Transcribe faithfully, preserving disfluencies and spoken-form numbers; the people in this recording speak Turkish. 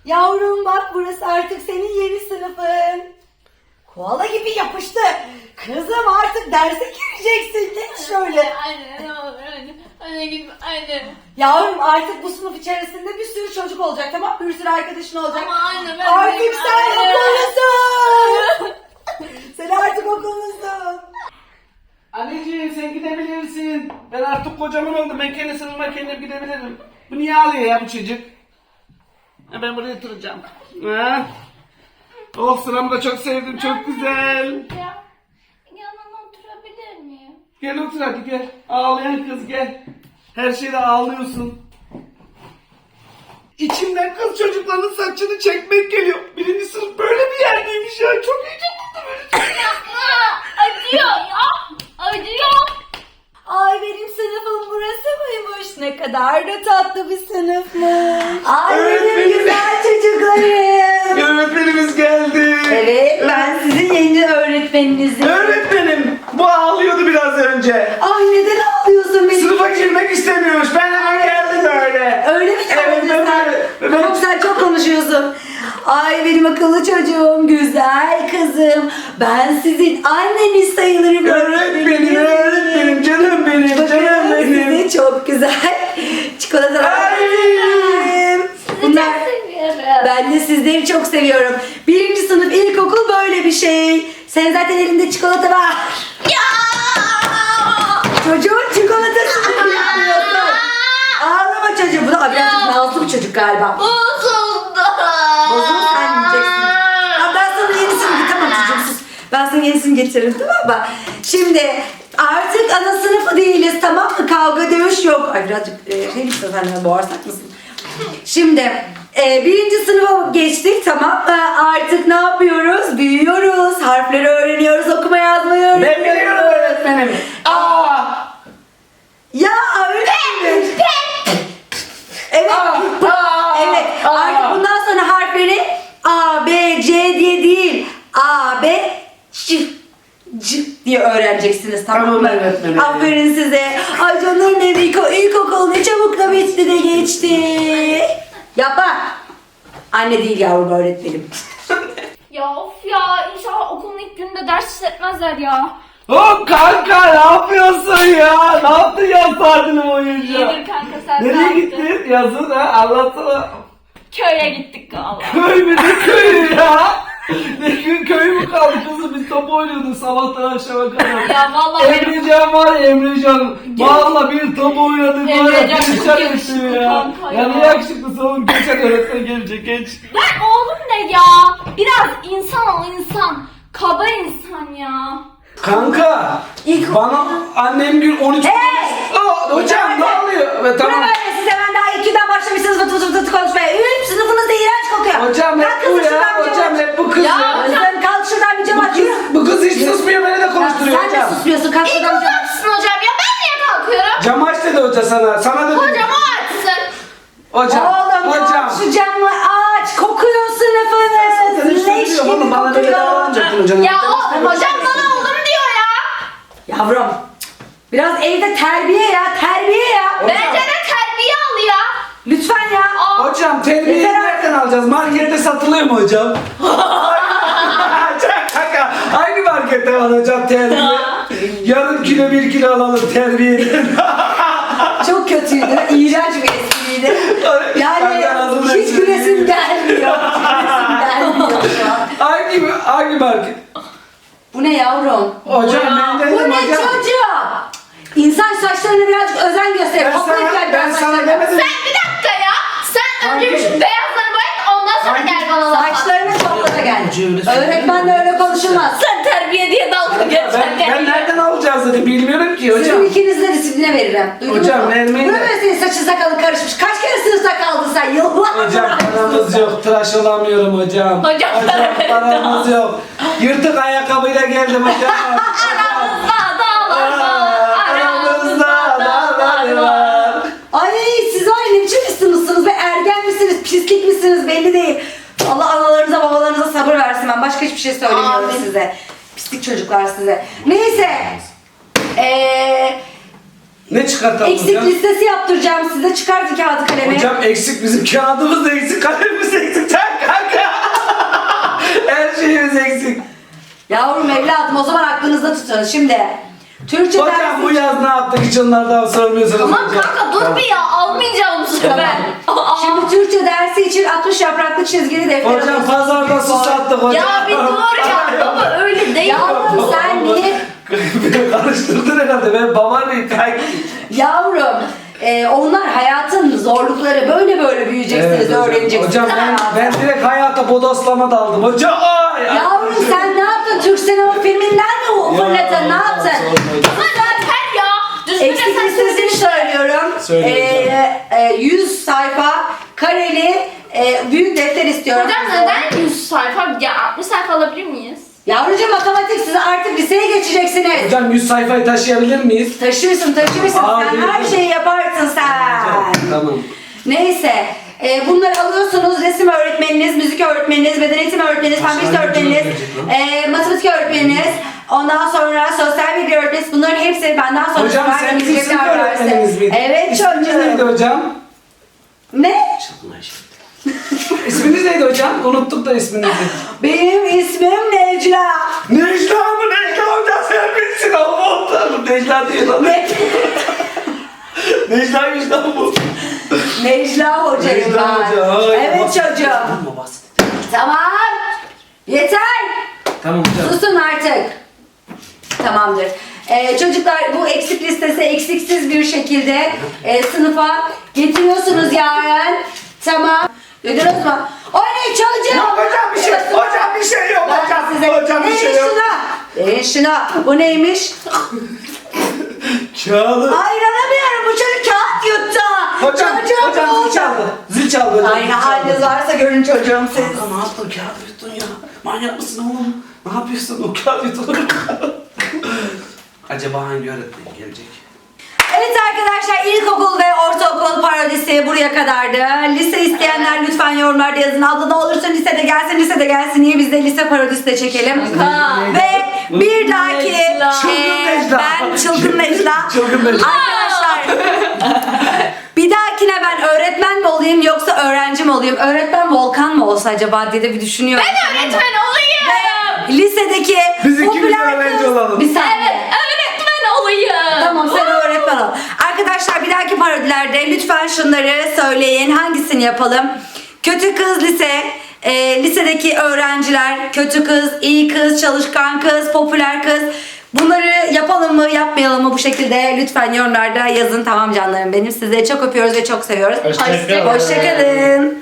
Yavrum bak, burası artık senin yeni sınıfın. Koala gibi yapıştı. Kızım artık derse gireceksin. Geç şöyle. Anne ne olur anne. Anne gitme anne. Yavrum artık bu sınıf içerisinde bir sürü çocuk olacak, tamam mı? Bir sürü arkadaşın olacak. Ama anne ben Artık değilim, sen anne. okullusun. Sen artık okullusun. Anneciğim sen gidebilirsin. Ben artık kocaman oldum. Ben kendi sınıfıma kendim gidebilirim. Bu niye ağlıyor ya bu çocuk? Ha, ben buraya oturacağım. Ha? Oh, sıramı da çok sevdim. Çok güzel. Ya, yanına oturabilir miyim? Gel otur hadi gel. Ağlayan kız gel. Her şeyde ağlıyorsun. İçimden kız çocuklarının saçını çekmek geliyor. Birinci sınıf böyle bir yerdeymiş ya. Çok heyecanlı böyle. Yapma. Acıyor ya. Acıyor. Ay, benim sınıfım burası mıymış? Ne kadar da tatlı bir sınıfmış. Ay benim Öğretmenim. güzel çocuklarım. Öğretmenimiz geldi. Evet, ben sizin yeni öğretmeninizim. Öğretmenim bu ağlıyordu biraz önce. Ay, neden ağlıyorsun benim? Sınıfa girmek istemiyormuş. Ben hemen geldim böyle. Öyle mi Evet, söyledin sen? evet, evet. Tamam, sen çok konuşuyorsun. Ay benim akıllı çocuğum, güzel kızım. Ben sizin anneniz sayılırım. Öğretmenim, öğretmenim, canım benim, canım Bakın benim. size çok güzel çikolatalar Ay. verdim. Bunlar, Çok seviyorum. ben de sizleri çok seviyorum. Birinci sınıf ilkokul böyle bir şey. Sen zaten elinde çikolata var. Ya. Çocuğun çikolatasını bilmiyorsun. Ağlama çocuğum. Bu da birazcık nazlı bir çocuk galiba. Bozuldu. Bozuldu, sen yiyeceksin. Ya ben sana yenisini getireyim. Tamam çocuğum, sus. Ben sana yenisini getiririm, tamam mı? Şimdi artık ana sınıfı değiliz, tamam mı? Kavga dövüş yok. Ay birazcık e, şey misin sen, boğarsak mısın? Şimdi e, birinci sınıfa geçtik, tamam mı? Artık ne yapıyoruz? Büyüyoruz. Harfleri öğreniyoruz. Okuma yazmayı Ben öğreniyoruz. biliyorum öğretmenim. Aa! Ya öğretmenim. Evet. Aa, bu- aa, evet. aa. Artık bundan sonra harfleri A, B, C diye değil. A, B, C, C diye öğreneceksiniz, tamam mı? Tamam öğretmenim. Aferin size. Ay canlarım benim, ilk, ilkokul ne çabuk da bitti de geçti. Yapma. Anne değil yavrum, öğretmenim. Ya of ya, inşallah okulun ilk gününde ders işletmezler ya. Hop kanka, ne yapıyorsun ya? Ne yaptın ya saatini boyunca? İyidir kanka, sen ne Nereye yaptın? gittin? Yazın ha, anlatsana. Köye gittik valla. Köy mü, ne köyü ya? Ne gün köy mü kaldı kızım? Biz top oynuyorduk sabahtan akşama kadar. Ya vallahi benim Emrecan var ya, Emrecan. Valla bir top oynadık. Emrecan Var ya, çok geçen yakışıklı etti ya. kanka Ya ya. ne yakışıklısı oğlum? Geçen öğretmen gelecek, geç. Lan oğlum ne ya? Biraz insan ol insan. Kaba insan ya. Kanka, İlk- bana annem gün on üç... Hey! Aa, hocam ne oluyor? Evet, Tamam. tamam. Böyle size ben daha ikiden başlamışsınız vıtı vıtı vıtı konuşmaya. Üf, sınıfınız da iğrenç kokuyor. Hocam Kalk hep bu kızım, şuradan ya, bir cam hocam aç. hep bu kız Ya, ya. Özlem, kalk şuradan bir cam aç. Yürü. Bu kız hiç susmuyor, beni de konuşturuyor Sen de hocam. susmuyorsun, kalk İlk şuradan bir cam aç. açsın hocam ya, ben niye kalkıyorum? Cam aç dedi hoca sana, sana dedi. Hocam o açsın. Hocam, Oğlum hocam. aç şu camı aç. Kokuyor Sen sınıfınız. hiç Leş söylüyor gibi oğlum, bana böyle kokuyor. davranacaktın hocam. Ya o, hocam bana oğlum diyor ya. Yavrum, biraz evde terbiye ya, terbiye ya. Bence de terbiye al ya. Lütfen ya. Aa, Hocam terbiyeyi Yeter artık. nereden alacağız? Markette satılıyor mu hocam? Şaka. Hangi markette var hocam terbiye? Yarım kilo bir kilo alalım terbiyeden. Çok kötüydü, iğrenç bir espriydi. Yani Kanka, nasıl hiç espri? gülesim gelmiyor. Hiç gülesim gelmiyor şu an. hangi hangi market? Bu ne yavrum? Hocam ben dedim Bu ne hocam. çocuğum? İnsan saçlarına birazcık özen gösterir. Ben Toplayıp sana, gel ben biraz sana saçlarına. demedim. sen bir dakika ya. Sen önce bir Hangi? şu beyazları boyat, ondan sonra Hangi? gel bana laf at. Saçlarını topla da gel. Hoca öyle söylüyor. Öğretmenle öyle konuşulmaz. Sen terbiye diye dalga Ben, geçerken. ben nereden alacağız dedi, bilmiyorum ki hocam. Sizin ikinizi de disipline veririm. Duydunuz Hocam, mu? vermeyin Bu de. böyle senin saçın sakalın karışmış. Kaç kere sınıfta kaldın sen? Yıllar. Hocam paramız yok, tıraş olamıyorum hocam. Hocam, paramız yok. Yırtık ayakkabıyla geldim hocam. Aramızda dağlar var. Aramızda dağlar var. Ay siz var ya, ne biçim bir sınıfsınız be? Ergen misiniz? Pislik misiniz? Belli değil. Allah analarınıza babalarınıza sabır versin. Ben başka hiçbir şey söylemiyorum Amin. size. Pislik çocuklar size. Neyse. Eee... Ne çıkartalım Eksik hocam? listesi yaptıracağım size. Çıkartın kağıdı kalemi. Hocam eksik, bizim kağıdımız da eksik, kalemimiz eksik. Yavrum evladım o zaman aklınızda tutun. Şimdi Türkçe Hocam dersi... bu yaz ne yaptık hiç onlardan sormuyorsunuz. Aman hocam. kanka dur bir ya almayacağım bu sefer. Aa. Şimdi Türkçe dersi için altmış yapraklı çizgili defter Hocam alıyorsun. pazarda su sattık hocam. Ya bir dur ya baba öyle değil. Yavrum sen niye... Karıştırdın herhalde. Ben babaanneyim. Yavrum e, onlar hayatın zorlukları böyle böyle büyüyeceksiniz, öğreneceksiniz. Hocam ben, ben direkt hayata bodoslama daldım. Hocam ay, ay. Yavrum sen ne yaptın? Türk sinema filminden mi o fırladın? Ne yaptın? Ama zaten ya. Düzgün Eksik sen listesini söylüyorum. Söyle Ee, e, yüz sayfa kareli e, büyük defter istiyorum. Hocam neden yüz sayfa? Ya altmış sayfa alabilir miyiz? Yavrucuğum matematik siz artık liseye geçeceksiniz. Hocam yüz sayfayı taşıyabilir miyiz? Taşırsın taşırsın Aa, sen evet. her şeyi yaparsın sen. Tamam. Neyse. E, bunları alıyorsunuz. Resim öğretmeniniz, müzik öğretmeniniz, beden eğitimi öğretmeniniz, fen bilgisi Hastane öğretmeniniz, hocam e, matematik öğretmeniniz, ondan sonra sosyal bilgi öğretmeniniz. Bunların hepsi benden sonra Hocam süper sen bilgi bizim dersi. öğretmenimiz miydin? Evet İsminiz neydi çocuğum. hocam? Ne? İsminiz neydi hocam? Unuttuk da isminizi. Benim ismim Necla. Necla mı? Necla hocam sen bilsin Allah'ım. Necla değil lan. Ne? Necla'ymış lan bu. Necla hocayım Necla ben. hoca, ay, Evet bas- çocuğum. Tamam, bas. Tamam. Yeter. Tamam hocam. Susun artık. Tamamdır. Ee, çocuklar bu eksik listesi eksiksiz bir şekilde e, sınıfa getiriyorsunuz yarın. Tamam. Duydunuz mu? O ne çocuğum? Yok hocam bir şey, hocam bir şey yok Ben hocam. size- Hocam bir Verin şey yok. şuna. Verin şuna. Bu neymiş? Kağıdı. Ay inanamıyorum bu çocuk kağıt yuttu. Hocam, Çocuğum hocam oldu. zil çaldı. Zil çaldı hocam. Ay zil ne çaldı. haliniz varsa görün çocuğum siz. Kanka ne yaptın? Kağıt yuttun ya. Manyak mısın oğlum? Ne yapıyorsun? O kağıt yutulur. Acaba hangi öğretmen gelecek? Evet arkadaşlar ilkokul ve ortaokul parodisi buraya kadardı. Lise isteyenler lütfen yorumlarda yazın. Abla ne olursa lisede gelsin lisede gelsin diye biz de lise parodisi de çekelim. Ha. Ve bir dahaki Necla. Çılgın e, Necla. ben çılgın Necla. Çılgın Necla. Arkadaşlar bir dahakine ben öğretmen mi olayım yoksa öğrenci mi olayım? Öğretmen Volkan mı olsa acaba diye de bir düşünüyorum. Ben öğretmen olayım. Lisedeki Biz ikimiz popüler öğrenci kız- olalım. Bir saniye. Evet öğretmen olayım. Tamam sen öğretmen ol. Arkadaşlar bir dahaki parodilerde lütfen şunları söyleyin. Hangisini yapalım? Kötü kız lise, e, lisedeki öğrenciler, kötü kız, iyi kız, çalışkan kız, popüler kız. Bunları yapalım mı, yapmayalım mı bu şekilde lütfen yorumlarda yazın. Tamam canlarım benim. Sizleri çok öpüyoruz ve çok seviyoruz. Hoşçakalın. Hoşçakalın.